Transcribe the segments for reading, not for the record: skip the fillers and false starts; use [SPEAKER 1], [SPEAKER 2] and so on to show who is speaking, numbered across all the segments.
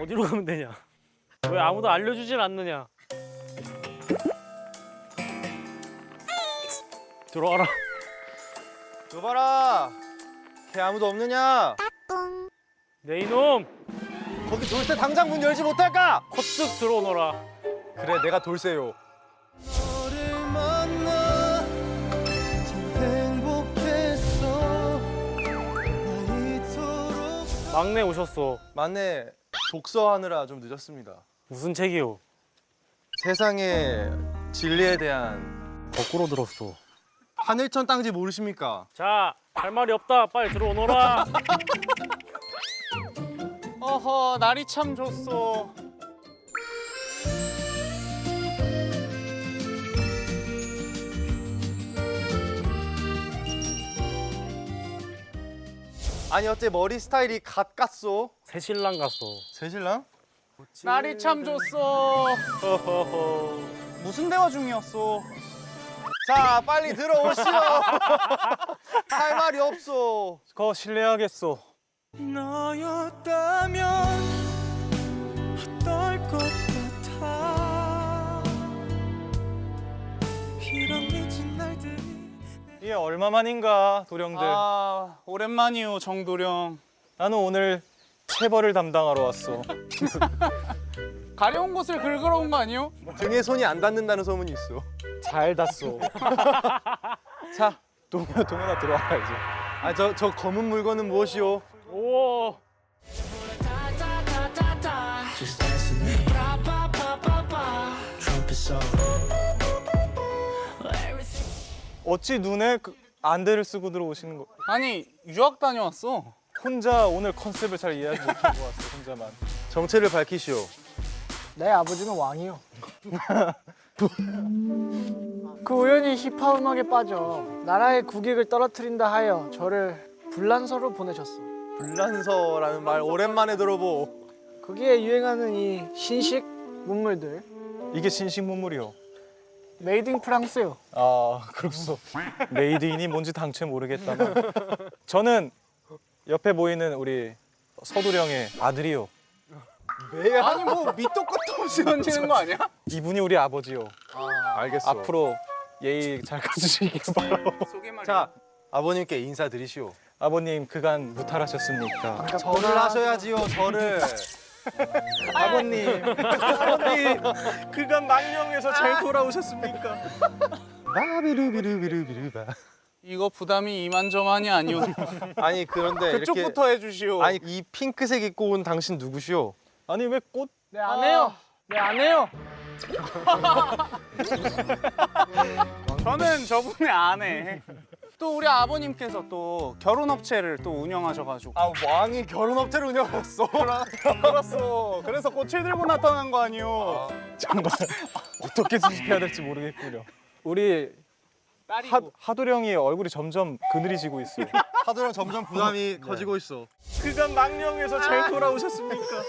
[SPEAKER 1] 어디로 가면 되냐? 왜 아무도 알려주질 않느냐? 들어와라.
[SPEAKER 2] 여봐라. 걔 아무도 없느냐?
[SPEAKER 1] 내 이놈!
[SPEAKER 2] 거기 돌쇠 당장 문 열지 못할까?
[SPEAKER 1] 컷쓱 들어오너라.
[SPEAKER 2] 그래, 내가 돌쇠요.
[SPEAKER 1] 막내 오셨어.
[SPEAKER 2] 맞네. 독서하느라 좀 늦었습니다.
[SPEAKER 1] 무슨 책이요?
[SPEAKER 2] 세상의 진리에 대한
[SPEAKER 1] 거꾸로 들었어.
[SPEAKER 2] 하늘천 땅지 모르십니까?
[SPEAKER 1] 자, 할 말이 없다. 빨리 들어오너라.
[SPEAKER 3] 어허, 날이 참 좋소.
[SPEAKER 2] 아니 어째 머리 스타일이 갓 깠소?
[SPEAKER 1] 새신랑 갔어.
[SPEAKER 2] 새신랑?
[SPEAKER 3] 날이 참 좋소.
[SPEAKER 1] 허허허.
[SPEAKER 3] 무슨 대화 중이었소?
[SPEAKER 2] 자, 빨리 들어오시오. 할 말이 없소.
[SPEAKER 1] 거 실례하겠소.
[SPEAKER 4] 너였다면 어떨 것 같아 이런 미친 날들이
[SPEAKER 5] 이게 얼마만인가 도령들.
[SPEAKER 3] 아, 오랜만이요, 정도령.
[SPEAKER 5] 나는 오늘 체벌을 담당하러 왔어.
[SPEAKER 3] 가려운 곳을 긁으러 온 거 아니요?
[SPEAKER 2] 등에 손이 안 닿는다는 소문이 있어.
[SPEAKER 5] 잘 닿소. 자, 동현아 들어와야지.
[SPEAKER 2] 아, 저 검은 물건은 무엇이오?
[SPEAKER 1] 오.
[SPEAKER 4] Just dance with me Trumpet solo
[SPEAKER 5] 어찌 눈에 안대를 쓰고 들어오시는 거?
[SPEAKER 3] 아니, 유학 다녀왔어.
[SPEAKER 5] 혼자 오늘 컨셉을 잘 이해하지 못한 것 같아. 혼자만.
[SPEAKER 2] 정체를 밝히시오.
[SPEAKER 6] 내 아버지는 왕이요. 그 우연히 힙합 음악에 빠져 나라의 국익을 떨어뜨린다 하여 저를 불란서로 보내셨어.
[SPEAKER 2] 불란서라는 말 오랜만에 들어보.
[SPEAKER 6] 거기에 유행하는 이 신식 문물들
[SPEAKER 5] 이게 신식 문물이요.
[SPEAKER 6] 메이드 인 프랑스요.
[SPEAKER 5] 아, 그렇소. 메이드인이 뭔지 당최 모르겠다만. 저는 옆에 보이는 우리 서두령의 아들이요.
[SPEAKER 3] 아니, 뭐 밑도 끝도 없이 던지는 거 아니야?
[SPEAKER 5] 이분이 우리 아버지요.
[SPEAKER 2] 알겠어.
[SPEAKER 5] 앞으로 예의 잘 가지시길 바라고.
[SPEAKER 2] 자, 아버님께 인사드리시오.
[SPEAKER 5] 아버님 그간 무탈하셨습니까?
[SPEAKER 2] 절을 하셔야지요, 절을.
[SPEAKER 5] 아버님 그간 망령에서 잘 돌아오셨습니까?
[SPEAKER 2] 바비루비루비루비루바.
[SPEAKER 3] 이거 부담이 이만저만이 아니오.
[SPEAKER 2] 아니 그런데
[SPEAKER 3] 그쪽부터 해주시오.
[SPEAKER 2] 아니 이 핑크색 입고 온 당신 누구시오?
[SPEAKER 5] 아니 왜 꽃?
[SPEAKER 6] 네, 안 해요. 네, 안 해요.
[SPEAKER 3] 저는 저분의 아내. 또 우리 아버님께서 또 결혼업체를 또 운영하셔가지고.
[SPEAKER 2] 아, 왕이 결혼업체를 운영했어.
[SPEAKER 3] 그렇소. 그래서 꽃을 들고 나타난 거 아니오.
[SPEAKER 5] 정말 어떻게 수습해야 될지 모르겠군요. 우리
[SPEAKER 3] 딸이고.
[SPEAKER 5] 하도령이 얼굴이 점점 그늘이지고 있어요.
[SPEAKER 2] 하도랑 점점 부담이 커지고 있어.
[SPEAKER 5] 그간 망령에서 잘 돌아오셨습니까?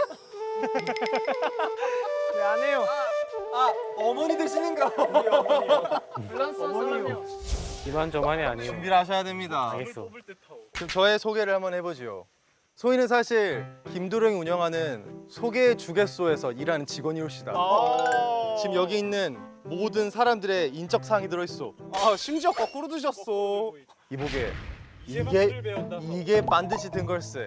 [SPEAKER 6] 네, 안 해요.
[SPEAKER 2] 아, 어머니 되시는가?
[SPEAKER 6] 불란서 사람이요.
[SPEAKER 1] 이만저만이 아니에요.
[SPEAKER 2] 준비를 하셔야 됩니다.
[SPEAKER 1] 알겠어.
[SPEAKER 2] 그럼 저의 소개를 한번 해보지요. 소희는 사실 김도령이 운영하는 소개 주개소에서 일하는 직원이올시다. 지금 여기 있는 모든 사람들의 인적 사항이 들어있어.
[SPEAKER 3] 아, 심지어 거꾸로 드셨어.
[SPEAKER 2] 이보게 이게 반드시 든 걸세.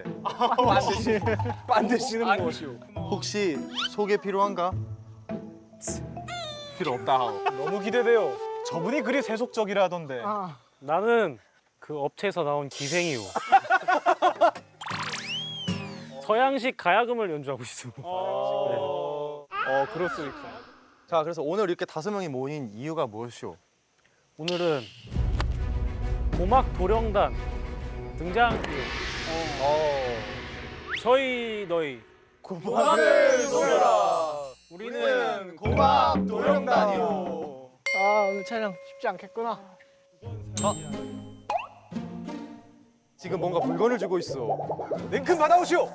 [SPEAKER 5] 반드시는 무엇이오?
[SPEAKER 2] 혹시 소개 필요한가?
[SPEAKER 5] 필요 없다 하오. 너무 기대돼요. 저분이 그리 세속적이라 하던데.
[SPEAKER 6] 아,
[SPEAKER 1] 나는 그 업체에서 나온 기생이요. 서양식 가야금을 연주하고 있어.
[SPEAKER 5] 그럴 수 있어.
[SPEAKER 2] 자, 그래서 오늘 이렇게 5명이 모인 이유가 무엇이오?
[SPEAKER 1] 오늘은 고막 도령단 등장. 저희 너희
[SPEAKER 2] 고막을 노려라.
[SPEAKER 1] 우리는
[SPEAKER 2] 고막 도령단이오.
[SPEAKER 6] 아, 오늘 촬영 쉽지 않겠구나.
[SPEAKER 2] 지금 뭔가 물건을 주고 있어.
[SPEAKER 5] 링큰 받아오시오.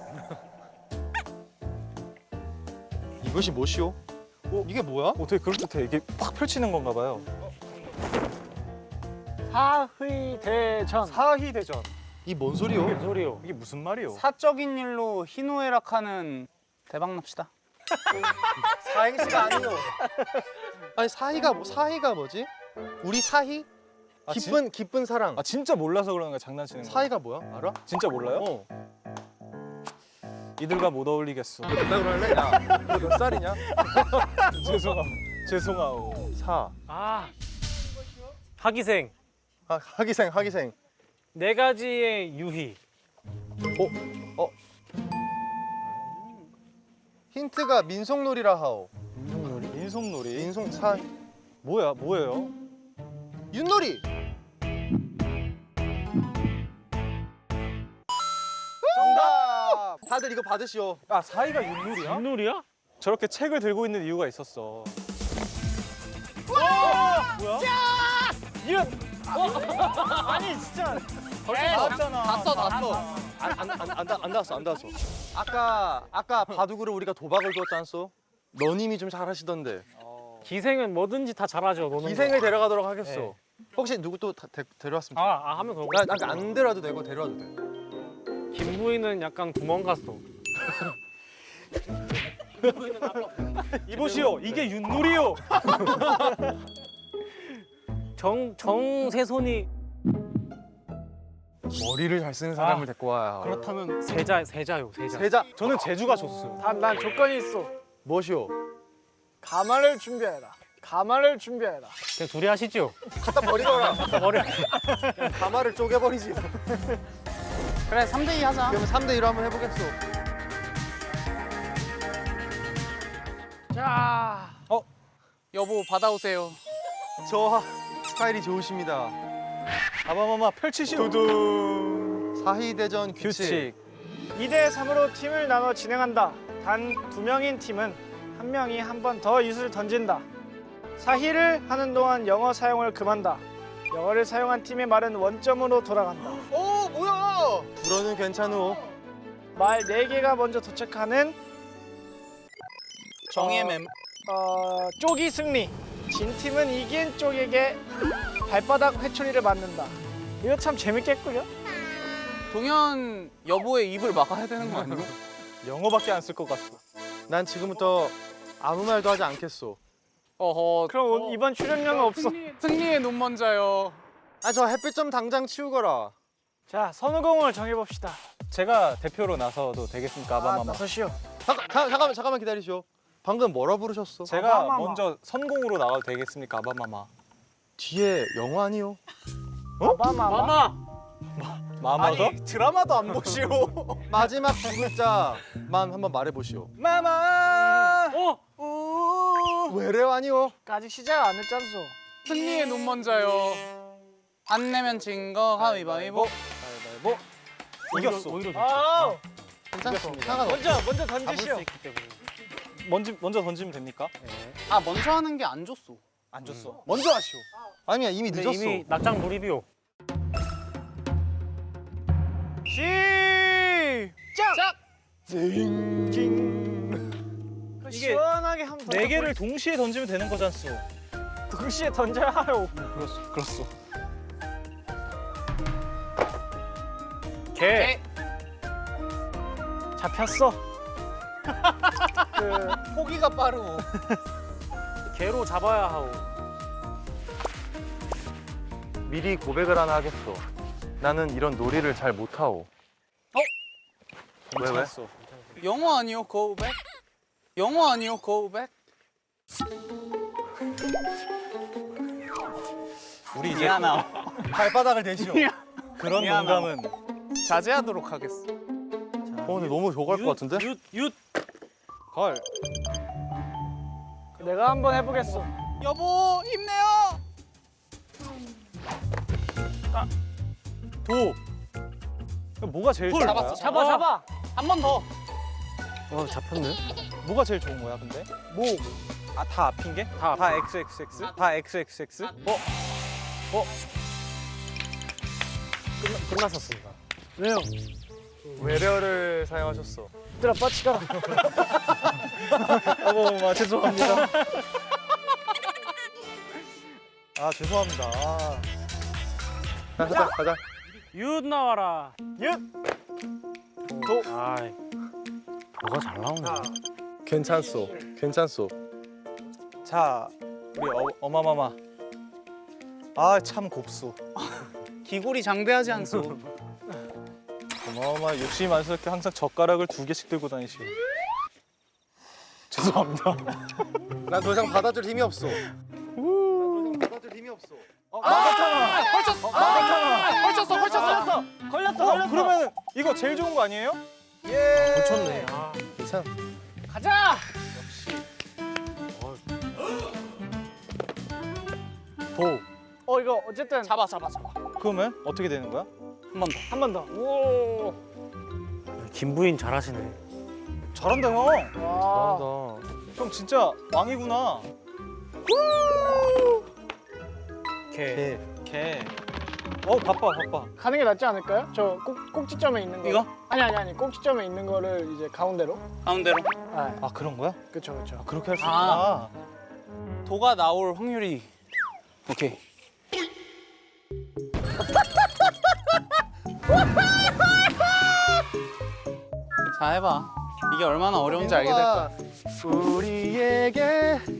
[SPEAKER 2] 이것이 무엇이오? 이게 뭐야?
[SPEAKER 5] 어떻게 그럴듯해? 이게 팍 펼치는 건가 봐요.
[SPEAKER 6] 사의대전.
[SPEAKER 5] 사희대전.
[SPEAKER 2] 이 뭔 소리요?
[SPEAKER 1] 무슨 소리요?
[SPEAKER 5] 이게 무슨 말이요?
[SPEAKER 3] 사적인 일로 희노애락하는 대박 납시다.
[SPEAKER 2] 사행시가 아니요. 아니 사희가 뭐지? 우리 사희?
[SPEAKER 5] 아,
[SPEAKER 2] 기쁜 사랑.
[SPEAKER 5] 아 진짜 몰라서 그러는 거야, 장난치는 거.
[SPEAKER 2] 사희가 뭐야? 알아?
[SPEAKER 5] 진짜 몰라요?
[SPEAKER 2] 어.
[SPEAKER 5] 이들과 못 어울리겠어.
[SPEAKER 2] 나 그럴래? 야, 너 몇 살이냐?
[SPEAKER 5] 죄송하고.
[SPEAKER 2] 사.
[SPEAKER 1] 아 하기생
[SPEAKER 2] 하기생.
[SPEAKER 1] 네 가지의 유희.
[SPEAKER 2] 힌트가 민속놀이라 하오.
[SPEAKER 5] 민속놀이.
[SPEAKER 2] 민속
[SPEAKER 5] 뭐예요?
[SPEAKER 2] 윷놀이.
[SPEAKER 5] 정답.
[SPEAKER 2] 다들 이거 받으시오.
[SPEAKER 5] 아, 사이가 윷놀이야?
[SPEAKER 1] 윷놀이야?
[SPEAKER 5] 저렇게 책을 들고 있는 이유가 있었어.
[SPEAKER 2] 안 닿았어. 아까 바둑으로 우리가 도박을 두었지 않소? 너님이 좀 잘하시던데.
[SPEAKER 1] 기생은 뭐든지 다 잘하죠. 노는
[SPEAKER 2] 기생을 데려가도록 하겠소.
[SPEAKER 1] 네.
[SPEAKER 2] 혹시 누구 또 데려왔습니까?
[SPEAKER 1] 하면 그거.
[SPEAKER 2] 안 데려와도 되고 데려와도 돼.
[SPEAKER 1] 김부인은 약간 구멍 갔어.
[SPEAKER 5] 이보시오, 이게 윷놀이요.
[SPEAKER 1] 정세손이
[SPEAKER 2] 머리를 잘 쓰는 사람을 데리고 와야.
[SPEAKER 1] 그렇다면 세자요 세자.
[SPEAKER 2] 세자.
[SPEAKER 5] 저는 제주가 좋습니다.
[SPEAKER 6] 난 조건이 있어.
[SPEAKER 2] 무엇이오?
[SPEAKER 6] 가마를 준비해라. 가마를 준비해라.
[SPEAKER 1] 그냥 둘이 하시죠.
[SPEAKER 2] 갖다 버리거라.
[SPEAKER 1] 머리.
[SPEAKER 2] 가마를 쪼개버리지.
[SPEAKER 3] 그래 3대2 하자.
[SPEAKER 2] 그러면 3대1로 한번 해보겠소.
[SPEAKER 6] 자,
[SPEAKER 3] 여보 받아오세요.
[SPEAKER 2] 저 스타일이 좋으십니다.
[SPEAKER 5] 아바마마 펼치시오.
[SPEAKER 2] 사희대전
[SPEAKER 5] 규칙.
[SPEAKER 6] 2대 3으로 팀을 나눠 진행한다. 단 2명인 팀은 한 명이 한 번 더 윷을 던진다. 사희를 하는 동안 영어 사용을 금한다. 영어를 사용한 팀의 말은 원점으로 돌아간다.
[SPEAKER 2] 오 뭐야? 불어는 괜찮오.
[SPEAKER 6] 말 4개가 먼저 도착하는
[SPEAKER 3] 정의의 맴.
[SPEAKER 6] 쪽이 승리. 진 팀은 이긴 쪽에게 발바닥 회초리를 맞는다. 이거 참 재밌겠군요.
[SPEAKER 3] 동현 여보의 입을 막아야 되는 거 아니야?
[SPEAKER 5] 영어밖에 안 쓸 것 같소.
[SPEAKER 2] 난 지금부터 아무 말도 하지 않겠소.
[SPEAKER 3] 어허.
[SPEAKER 6] 그럼 이번 출연료는 없어.
[SPEAKER 3] 승리의 눈먼자요.
[SPEAKER 2] 아 저 햇빛 좀 당장 치우거라.
[SPEAKER 6] 자, 선우공을 정해봅시다.
[SPEAKER 5] 제가 대표로 나서도 되겠습니까, 아바마마?
[SPEAKER 6] 나서시오.
[SPEAKER 2] 잠깐만 기다리시오. 방금 뭐라 부르셨어?
[SPEAKER 5] 제가
[SPEAKER 6] 아바마마.
[SPEAKER 5] 먼저 선공으로 나가도 되겠습니까, 아바마마?
[SPEAKER 2] 뒤에 영어 아니요?
[SPEAKER 6] 마마.
[SPEAKER 5] 마마가?
[SPEAKER 3] 드라마도 안 보시오.
[SPEAKER 2] 마지막 두 글자만 한번 말해보시오.
[SPEAKER 5] 마마!
[SPEAKER 2] 왜래요 아니요?
[SPEAKER 6] 아직 시작 안 했잖소.
[SPEAKER 3] 승리의 눈먼자요. 안 내면 진 거 가위바위보.
[SPEAKER 5] 가위바위보. 이겼어.
[SPEAKER 1] 오히려 좋죠.
[SPEAKER 6] 아,
[SPEAKER 2] 괜찮습니다. 상관없어.
[SPEAKER 6] 먼저
[SPEAKER 1] 잡을
[SPEAKER 6] 던지시오.
[SPEAKER 1] 수 있기 때문에.
[SPEAKER 5] 먼저 던지면 됩니까?
[SPEAKER 3] 아 먼저 하는 게 안 좋소.
[SPEAKER 5] 안 줬어.
[SPEAKER 2] 먼저 하시오. 아니야 이미
[SPEAKER 1] 근데
[SPEAKER 2] 늦었어.
[SPEAKER 1] 이미 낙장 몰입이요.
[SPEAKER 6] 시작.
[SPEAKER 5] 이게
[SPEAKER 6] 시원하게 한번
[SPEAKER 5] 네 개를 동시에 던지면 되는 거잖소.
[SPEAKER 6] 동시에 던져야 하요.
[SPEAKER 5] 그렇소.
[SPEAKER 1] 개.
[SPEAKER 6] 잡혔어.
[SPEAKER 3] 포기가 빠르고.
[SPEAKER 1] 개로 잡아야 하오.
[SPEAKER 2] 미리 고백을 하나 하겠소. 나는 이런 놀이를 잘 못하오. 왜?
[SPEAKER 5] 괜찮았어.
[SPEAKER 3] 영어 아니요 고백? 영어 아니요 고백?
[SPEAKER 5] 우리 이제
[SPEAKER 3] 미안하.
[SPEAKER 2] 발바닥을 대시오.
[SPEAKER 5] 그런
[SPEAKER 3] 미안하다.
[SPEAKER 5] 농담은
[SPEAKER 3] 자제하도록 하겠어.
[SPEAKER 2] 근데 너무 저거 할 것 같은데?
[SPEAKER 1] 윷.
[SPEAKER 5] 걸.
[SPEAKER 6] 내가 한번 해보겠어.
[SPEAKER 3] 여보 힘내요.
[SPEAKER 5] 도. 뭐가 제일 좋은 거야?
[SPEAKER 3] 잡았어.
[SPEAKER 6] 잡아.
[SPEAKER 3] 한 번 더.
[SPEAKER 1] 잡혔네.
[SPEAKER 5] 뭐가 제일 좋은 거야, 근데? 뭐? 아, 다 앞인 게? 다 XXX? 다 XXX?
[SPEAKER 1] 끝났었습니다.
[SPEAKER 6] 왜요?
[SPEAKER 2] 외래어를 사용하셨어.
[SPEAKER 6] 얘들아 빠치가.
[SPEAKER 5] 아바마마 죄송합니다. 아, 죄송합니다.
[SPEAKER 2] 가자.
[SPEAKER 1] 윷 나와라.
[SPEAKER 6] 윷.
[SPEAKER 1] 아이. 뭐가 잘 나오네.
[SPEAKER 2] 괜찮소. 괜찮소.
[SPEAKER 5] 자, 우리 어마마마. 아, 참 곱소.
[SPEAKER 3] 기골이 장대하지 않소.
[SPEAKER 5] 어마마마 욕심이 많으시게 항상 젓가락을 2개씩 들고 다니시고. 죄송합니다.
[SPEAKER 2] 난 더 이상 받아줄 힘이 없어. 받아줄 힘이 없어.
[SPEAKER 5] 걸렸어. 그러면 이거 제일 좋은 거 아니에요?
[SPEAKER 2] 예.
[SPEAKER 1] 고쳤네. 아,
[SPEAKER 2] 괜찮.
[SPEAKER 6] 가자.
[SPEAKER 1] 도.
[SPEAKER 6] 이거 어쨌든
[SPEAKER 3] 잡아.
[SPEAKER 5] 그러면 어떻게 되는 거야?
[SPEAKER 3] 한 번 더.
[SPEAKER 6] 한 번 더. 오.
[SPEAKER 1] 김부인 잘하시네.
[SPEAKER 5] 잘한다 형.
[SPEAKER 6] 와.
[SPEAKER 2] 잘한다.
[SPEAKER 5] 형 진짜 왕이구나.
[SPEAKER 1] 개.
[SPEAKER 5] 개. 바빠.
[SPEAKER 6] 가는 게 낫지 않을까요? 저 꼭지점에 있는 거.
[SPEAKER 3] 이거?
[SPEAKER 6] 아니. 꼭지점에 있는 거를 이제 가운데로.
[SPEAKER 3] 가운데로.
[SPEAKER 6] 아,
[SPEAKER 5] 아 그런 거야?
[SPEAKER 6] 그렇죠.
[SPEAKER 5] 그렇게 할 수
[SPEAKER 3] 아.
[SPEAKER 5] 있구나.
[SPEAKER 3] 도가 나올 확률이. 오케이. 자, 해봐. 이게 얼마나 어려운지 알게 될 거야.
[SPEAKER 2] 우리에게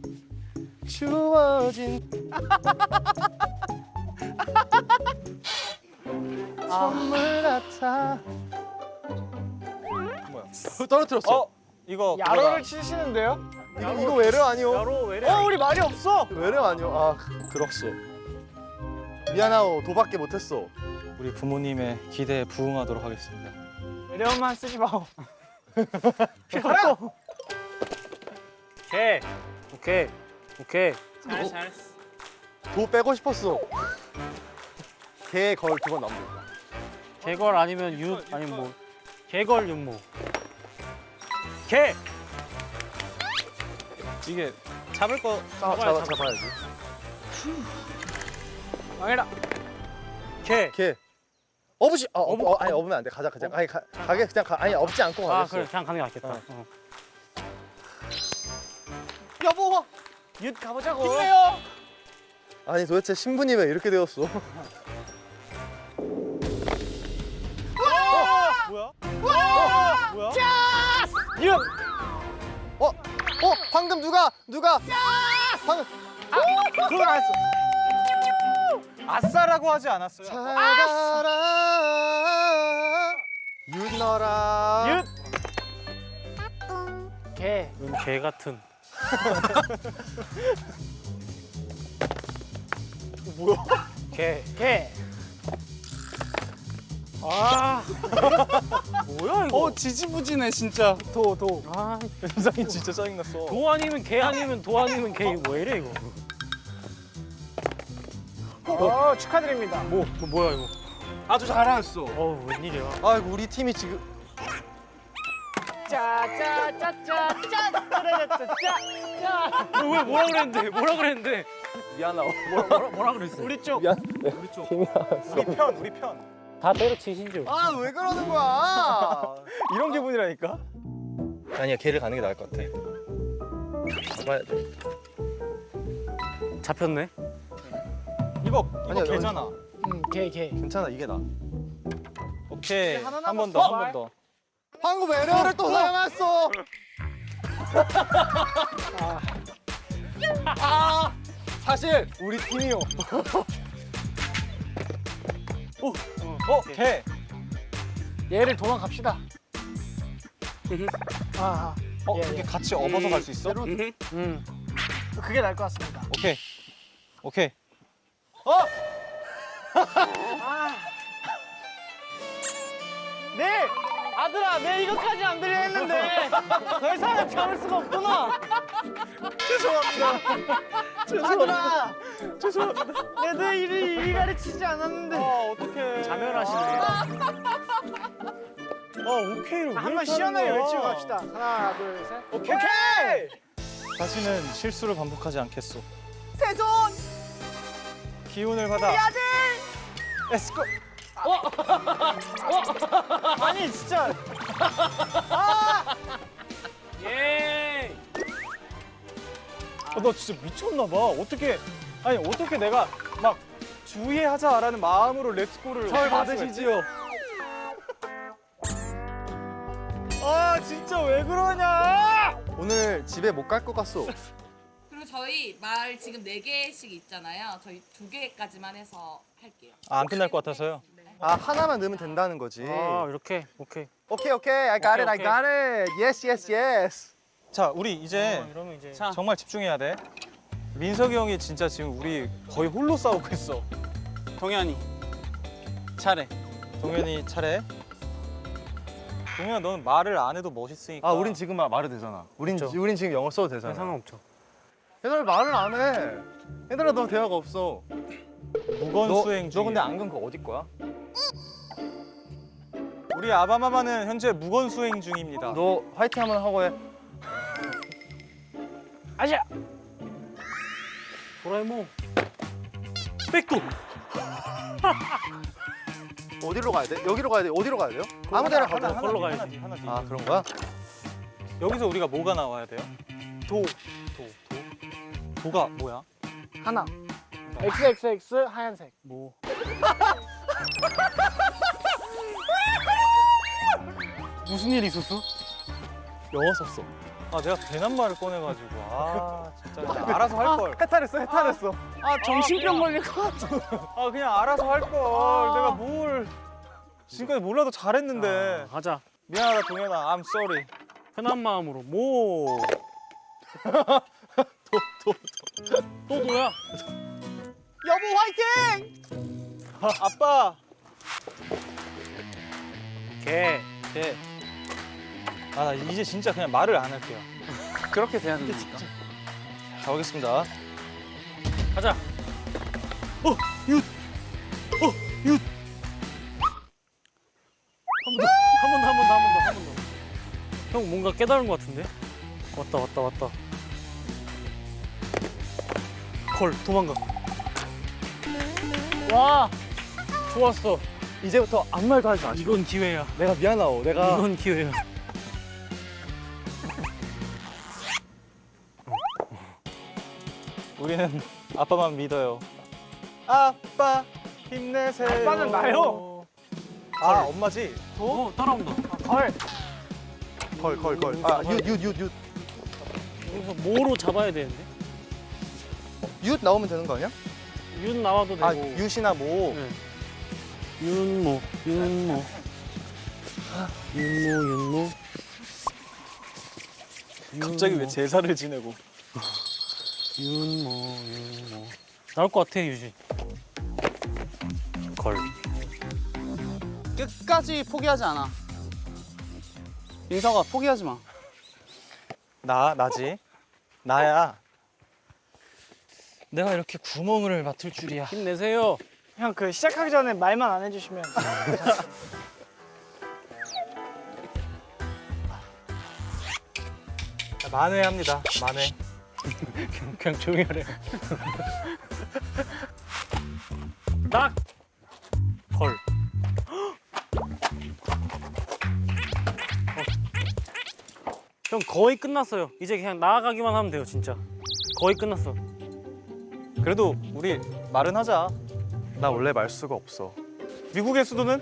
[SPEAKER 2] 주어진 선물 같아.
[SPEAKER 5] 뭐야?
[SPEAKER 2] 떨어뜨렸어.
[SPEAKER 5] 이거
[SPEAKER 6] 야로를 치시는데요?
[SPEAKER 2] 이거 외래 아니오?
[SPEAKER 1] 야로 왜래?
[SPEAKER 6] 우리 말이 없어.
[SPEAKER 2] 외래 아니오? 아 그렇소. 미안하오. 도밖에 못했어.
[SPEAKER 5] 우리 부모님의 기대에 부응하도록 하겠습니다.
[SPEAKER 6] 외래어만 쓰지 마오.
[SPEAKER 1] 개. 오케이.
[SPEAKER 3] 잘했어.
[SPEAKER 2] 도 빼고 싶었어. 개 걸 2번 남겼다.
[SPEAKER 1] 개걸 아니면 아니면 뭐 개걸 윤모. 개.
[SPEAKER 5] 이게 잡을 거
[SPEAKER 2] 잡아야지.
[SPEAKER 6] 망해라.
[SPEAKER 1] 개.
[SPEAKER 2] 개. 업으시. 아니 업으면 안 돼. 가자. 아니 가게 그냥 가. 아니 업지 않고
[SPEAKER 1] 아
[SPEAKER 2] 가겠어.
[SPEAKER 1] 그래 그냥 가는 게 낫겠다. 어.
[SPEAKER 6] 여보. 윷 가보자고.
[SPEAKER 2] 아니 도대체 신분이 왜 이렇게 되었어?
[SPEAKER 5] 뭐야?
[SPEAKER 6] 윷.
[SPEAKER 2] 방금 누가? 방금
[SPEAKER 6] 그건 안 했어.
[SPEAKER 5] 아싸라고 하지 않았어요?
[SPEAKER 2] 잘 가라. 윤너라.
[SPEAKER 6] 개.
[SPEAKER 1] 개 같은.
[SPEAKER 2] 뭐야?
[SPEAKER 6] 개.
[SPEAKER 1] 아. 뭐야 이거?
[SPEAKER 3] 지지부진해 진짜.
[SPEAKER 6] 도.
[SPEAKER 1] 아,
[SPEAKER 5] 현상이 진짜 짜증났어.
[SPEAKER 1] 도 아니면 개 아니면 도 아니면 개. 이거 왜 이래 이거?
[SPEAKER 6] 축하드립니다.
[SPEAKER 1] 뭐야 이거?
[SPEAKER 5] 아주 잘하셨어.
[SPEAKER 1] 웬일이야?
[SPEAKER 2] 아이고 우리 팀이 지금
[SPEAKER 6] 짜짜짜짜
[SPEAKER 1] 왜 뭐라 그랬는데?
[SPEAKER 2] 미안하오.
[SPEAKER 1] 뭐라 그랬어?
[SPEAKER 6] 우리 쪽.
[SPEAKER 2] 미안.
[SPEAKER 5] 우리 편.
[SPEAKER 1] 다 때려치신 줄.
[SPEAKER 2] 아 왜 그러는 거야?
[SPEAKER 5] 이런 기분이라니까.
[SPEAKER 2] 아니야 걔를 가는 게 나을 것 같아. 잡아야 돼.
[SPEAKER 1] 잡혔네.
[SPEAKER 5] 이거
[SPEAKER 2] 아니야,
[SPEAKER 5] 개잖아.
[SPEAKER 6] 개.
[SPEAKER 2] 괜찮아 이게 나.
[SPEAKER 5] 오케이.
[SPEAKER 6] 하나
[SPEAKER 5] 한 번
[SPEAKER 6] 남았어.
[SPEAKER 5] 더, 한 번 더.
[SPEAKER 2] 방금 외래어를 또 사용했어. 사실 우리 팀이요.
[SPEAKER 5] 개.
[SPEAKER 6] 얘를 도망갑시다. 아. 예,
[SPEAKER 5] 그렇게
[SPEAKER 6] 예.
[SPEAKER 5] 같이 업어서 갈 수 있어?
[SPEAKER 6] 그게 나을 것 같습니다.
[SPEAKER 5] 오케이.
[SPEAKER 6] 네! 아들아, 내 이것까지 안 들려 했는데 더 이상은 참을 수가 없구나. 죄송합니다. 내도 이리 가르치지 않았는데.
[SPEAKER 5] 어떡해.
[SPEAKER 1] 자멸하시네.
[SPEAKER 5] 오케이를
[SPEAKER 6] 한번 시원하게 외치고 갑시다. 하나, 둘, 셋. 오케이!
[SPEAKER 5] 다시는 실수를 반복하지 않겠소. 새손! 기운을 받아. 에스코!
[SPEAKER 6] 아니, 진짜.
[SPEAKER 1] 예.
[SPEAKER 5] 너 진짜 미쳤나 봐. 어떻게 내가 막 주의하자라는 마음으로 렛츠고를
[SPEAKER 2] 절 받으시지요.
[SPEAKER 5] 진짜 왜 그러냐?
[SPEAKER 2] 오늘 집에 못 갈 것 같소.
[SPEAKER 7] 그리고 저희 말 지금 4개씩 있잖아요. 저희 2개까지만 해서 할게요.
[SPEAKER 5] 아, 안 끝날 것 같아서요.
[SPEAKER 7] 네.
[SPEAKER 2] 아 하나만 넣으면 된다는 거지.
[SPEAKER 1] 아 이렇게 오케이.
[SPEAKER 2] 오케이 오케이. I got it. I
[SPEAKER 1] 오케이.
[SPEAKER 2] got it. Yes yes yes.
[SPEAKER 5] 자, 우리 이제
[SPEAKER 1] 이러면 이제
[SPEAKER 3] 자,
[SPEAKER 5] 정말 집중해야 돼. 민석이 형이 진짜 지금 우리 거의 홀로 싸우고 있어.
[SPEAKER 3] 동현이 차례.
[SPEAKER 5] 동현이 차례. 동현아, 너는 말을 안 해도 멋있으니까.
[SPEAKER 2] 아 우린 지금 말해도 되잖아. 우린 지금 영어 써도 되잖아.
[SPEAKER 1] 상관없죠.
[SPEAKER 2] 얘들아 말을 안 해. 얘들아 너 대화가 없어.
[SPEAKER 5] 무건수행 중.
[SPEAKER 2] 너 근데 안경 그거 어디 거야?
[SPEAKER 5] 우리 아바마마는 현재 무건수행 중입니다.
[SPEAKER 2] 너 화이팅 한번 하고 해.
[SPEAKER 6] 아시아.
[SPEAKER 1] 도라에몽. 백도.
[SPEAKER 2] 어디로 가야 돼? 여기로 가야 돼? 어디로 가야 돼요? 아무 데나 가도 돼.
[SPEAKER 1] 걸로 가야지.
[SPEAKER 5] 하나 뒤.
[SPEAKER 2] 아 그런 거야?
[SPEAKER 5] 여기서 우리가 뭐가 나와야 돼요? 도가 뭐야?
[SPEAKER 6] 하나. XXX 하얀색.
[SPEAKER 1] 뭐. 무슨 일 있었어?
[SPEAKER 2] 영어 썼어.
[SPEAKER 5] 아, 내가 괜한 말을 꺼내가지고. 아, 진짜. 나 알아서 할 걸.
[SPEAKER 2] 해탈했어.
[SPEAKER 3] 아 정신병 걸릴 것 같아.
[SPEAKER 5] 아, 그냥 알아서 할 걸. 내가 뭘. 지금까지 몰라도 잘했는데.
[SPEAKER 1] 가자.
[SPEAKER 5] 미안하다, 동현아. I'm sorry.
[SPEAKER 1] 편한 마음으로 뭐. 또 도야.
[SPEAKER 3] 여보 화이팅!
[SPEAKER 5] 아빠.
[SPEAKER 1] 개.
[SPEAKER 5] 네. 아, 나 이제 진짜 그냥 말을 안 할게요.
[SPEAKER 3] 그렇게 돼야 됩니까?
[SPEAKER 5] 가보겠습니다.
[SPEAKER 1] 가자. 한 번 더. 형 뭔가 깨달은 것 같은데? 왔다. 걸 도망가. 와 좋았어.
[SPEAKER 2] 이제부터 아무 말도 하지 마.
[SPEAKER 1] 이건 기회야.
[SPEAKER 2] 내가 미안하오. 내가
[SPEAKER 1] 이건 기회야.
[SPEAKER 5] 우리는 아빠만 믿어요. 아빠 힘내세요.
[SPEAKER 6] 아빠는 나요.
[SPEAKER 5] 아, 엄마지?
[SPEAKER 1] 따라온다.
[SPEAKER 6] 걸.
[SPEAKER 2] 걸. 아 윷.
[SPEAKER 1] 여기서 뭐로 잡아야 되는데?
[SPEAKER 2] 윷 나오면 되는 거 아니야?
[SPEAKER 1] 윤 나와도 되고.
[SPEAKER 2] 아 윷이나 뭐.
[SPEAKER 1] 네. 윤모.
[SPEAKER 5] 갑자기 왜 제사를 지내고?
[SPEAKER 1] 윤모. 나올 것 같아 유지. 걸.
[SPEAKER 3] 끝까지 포기하지 않아. 민석아 포기하지 마.
[SPEAKER 5] 나지? 나야. 내가 이렇게 구멍을 맡을 줄이야.
[SPEAKER 1] 힘내세요.
[SPEAKER 6] 형 그 시작하기 전에 말만 안 해주시면.
[SPEAKER 5] 만회합니다. 만회.
[SPEAKER 1] 그냥 조용히 하래. 딱. 걸. 형 거의 끝났어요. 이제 그냥 나아가기만 하면 돼요, 진짜. 거의 끝났어.
[SPEAKER 5] 그래도 우리 말은 하자.
[SPEAKER 2] 나 원래 말수가 없어.
[SPEAKER 5] 미국의 수도는?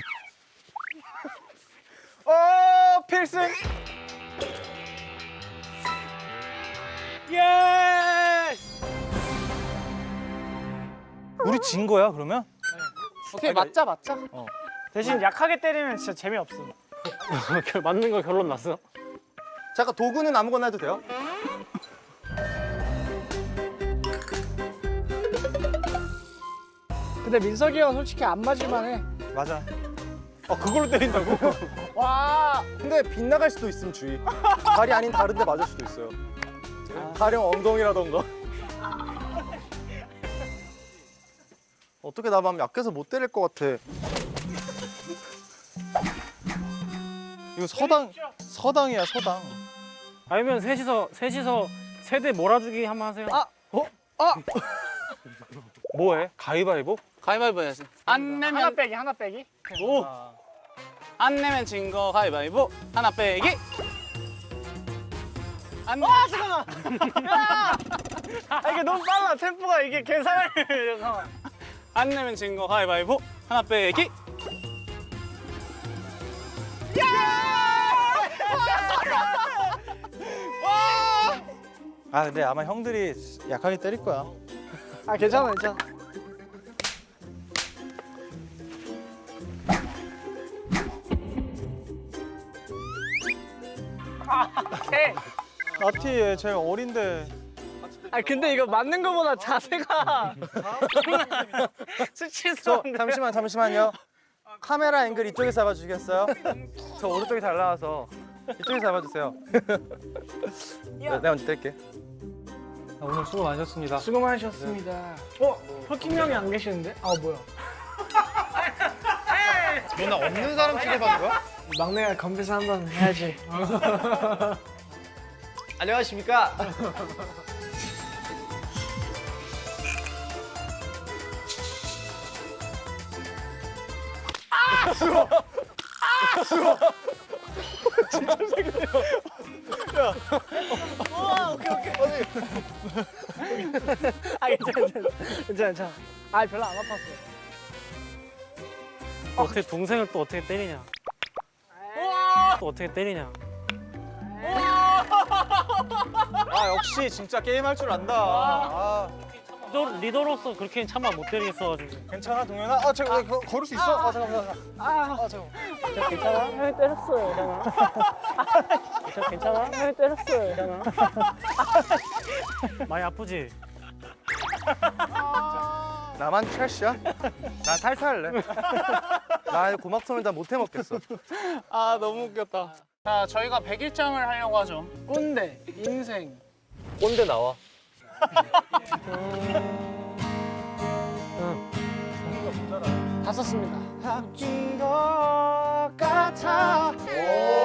[SPEAKER 5] 필승!
[SPEAKER 1] 예!
[SPEAKER 5] 우리 진 거야, 그러면?
[SPEAKER 3] 오케이 맞자.
[SPEAKER 6] 대신 약하게 때리면 진짜 재미없어.
[SPEAKER 1] 맞는 거 결론 났어?
[SPEAKER 2] 잠깐 도구는 아무거나 해도 돼요?
[SPEAKER 6] 근데 민석이 형 솔직히 안 맞을만 해.
[SPEAKER 5] 맞아. 그걸로 때린다고?
[SPEAKER 2] 와. 근데 빗나갈 수도 있음 주의. 발이 아닌 다른 데 맞을 수도 있어요. 가령 엉덩이라던가. 어떻게 나만 약해서 못 때릴 것 같아.
[SPEAKER 5] 이거 서당이야, 서당.
[SPEAKER 1] 아니면 셋이서 세대 몰아주기 한번 하세요.
[SPEAKER 5] 뭐해? 가위바위보?
[SPEAKER 3] 가위바위보 해야지. 안 내면
[SPEAKER 6] 하나 빼기.
[SPEAKER 1] 오!
[SPEAKER 3] 안 내면 진 거 가위바위보. 하나 빼기. 안 내.
[SPEAKER 6] 이게 너무 빨라. 템포가 이게 계산을. 잠깐만.
[SPEAKER 3] 안 내면 진 거 가위바위보. 하나 빼기.
[SPEAKER 5] 아 근데 아마 형들이 약하게 때릴 거야.
[SPEAKER 6] 아 괜찮아 괜찮아.
[SPEAKER 5] 나티 제일 어린데.
[SPEAKER 6] 아 근데 이거 맞는 거보다 자세가 수치스러운데.
[SPEAKER 2] 잠시만요. 카메라 앵글 이쪽에 잡아주시겠어요? 저 오른쪽이 잘 나와서 이쪽에 잡아주세요. 내가 먼저 뗄게.
[SPEAKER 5] 오늘 수고 많으셨습니다.
[SPEAKER 6] 수고 많으셨습니다. 헐킹 형이 안 계시는데? 아 뭐야?
[SPEAKER 2] 너나 없는 사람 취급하는 거야?
[SPEAKER 6] 막내가 건배사 한번 해야지.
[SPEAKER 2] 안녕하십니까?
[SPEAKER 6] 아 괜찮아. 아 별로 안 아팠어.
[SPEAKER 1] 어떻게 동생을 또 어떻게 때리냐? 또 어떻게 때리냐?
[SPEAKER 5] 아 역시 진짜 게임 할 줄 안다. 아,
[SPEAKER 1] 리더로서 그렇게 차마 못 때리겠어가지고.
[SPEAKER 5] 괜찮아 동현아? 아 제가 걸을 수 있어? 아 잠깐만.
[SPEAKER 6] 저 괜찮아? 형이 때렸어요. 저 괜찮아? 형이 때렸어요.
[SPEAKER 1] 많이 아프지?
[SPEAKER 2] 나만 트래쉬야? 난 탈탈할래. 나 고막선을 다 못 해먹겠어.
[SPEAKER 3] 아 너무 웃겼다. 자 저희가 100일장을 하려고 하죠.
[SPEAKER 6] 꼰대 인생.
[SPEAKER 5] 꼰대 나와.
[SPEAKER 6] 다 썼습니다.
[SPEAKER 2] 바뀐 것 같아.